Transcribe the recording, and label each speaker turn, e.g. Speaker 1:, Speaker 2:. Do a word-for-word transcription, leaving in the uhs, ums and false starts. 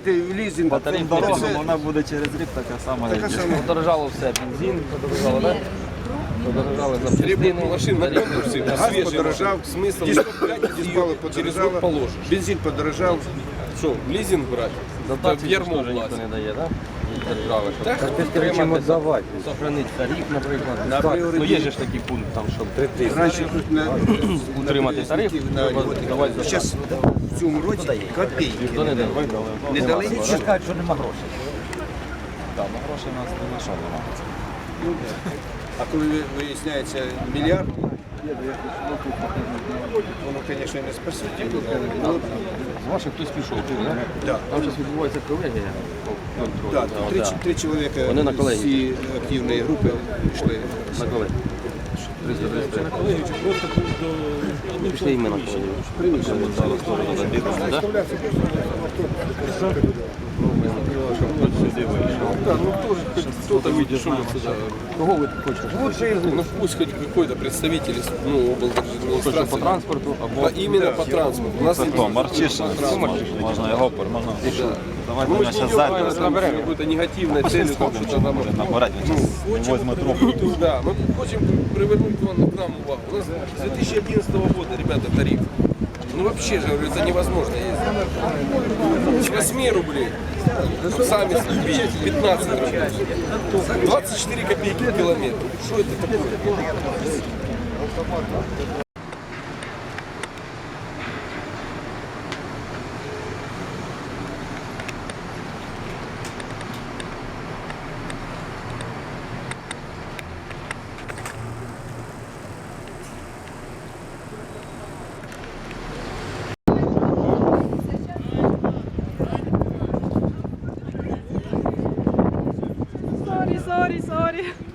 Speaker 1: берете в лізинг,
Speaker 2: По тарифу
Speaker 1: це
Speaker 2: дорога, вона буде через рік така сама.
Speaker 1: така
Speaker 2: як і-
Speaker 1: сама.
Speaker 3: Подорожало все, бензин подорожало, так? Подорожали запчастини.
Speaker 4: Машин напрямую все.
Speaker 1: Газ
Speaker 4: Свежие
Speaker 1: подорожав,
Speaker 4: машины. Смысл
Speaker 1: дизель
Speaker 4: брать
Speaker 1: дизпало
Speaker 4: ее через год
Speaker 1: подорожало,
Speaker 4: положишь.
Speaker 1: бензин подорожав.
Speaker 4: Что, лизинг брать?
Speaker 3: Дотації
Speaker 4: в ярмо
Speaker 3: теж ніхто
Speaker 4: влазить.
Speaker 3: не дає, так? Держави, щоб
Speaker 4: Так,
Speaker 3: підтримати, сохранити тариф, наприклад.
Speaker 1: На
Speaker 3: Ну
Speaker 1: пріоритет.
Speaker 3: є ж такий пункт, там, щоб
Speaker 1: Раніше тут на
Speaker 3: утримати тариф, треба давати за
Speaker 1: зараз в цьому році копійки
Speaker 3: ніхто не дає.
Speaker 1: не дали нічого.
Speaker 5: Кажуть, що нема грошей.
Speaker 2: Так, ну грошей у нас не на що нема.
Speaker 1: А коли виясняється мільярд, воно, звісно, не спасуть. але
Speaker 3: З ваших хтось пішов, тут, так?
Speaker 1: Да.
Speaker 3: Там зараз відбувається колегія по контролю.
Speaker 1: Да,
Speaker 3: Да,
Speaker 1: три,
Speaker 3: да.
Speaker 1: три чоловіка
Speaker 3: Вони на
Speaker 1: з
Speaker 3: колегії.
Speaker 1: цієї активної групи пішли.
Speaker 3: На колегію. триста тридцять три. Пішли іменно на колегію. Зараз теж забігали, так?
Speaker 4: да, ну тоже хоть кто-то видит, что мы сюда.
Speaker 3: Кого ви тут хочете?
Speaker 4: Лучше, ну пусть хоть какой-то представитель, ну,
Speaker 3: Хочете по
Speaker 4: облдержадминистрации.
Speaker 3: транспорту або...
Speaker 4: По- Именно по транспорту. У нас
Speaker 2: Це хто? Марчишин? Можна його пер, можна. Давайте
Speaker 4: Ну,
Speaker 2: ми
Speaker 4: мы же
Speaker 2: зараз
Speaker 4: не
Speaker 2: зайдемо.
Speaker 4: идем там с какой-то негативной целью, там что-то там.
Speaker 2: Може набирати, він зараз візьме трубку.
Speaker 4: Да, мы хотим привернуть вон к нам увагу. У нас с две тысячи одиннадцатого года, ребята, тариф. Ну вообще же, говорю, это невозможно ездить. С восьми рублей, сами видите, пятнадцать рублей. двадцать четыре копейки в километр. Что это такое?
Speaker 6: Sorry, sorry, sorry.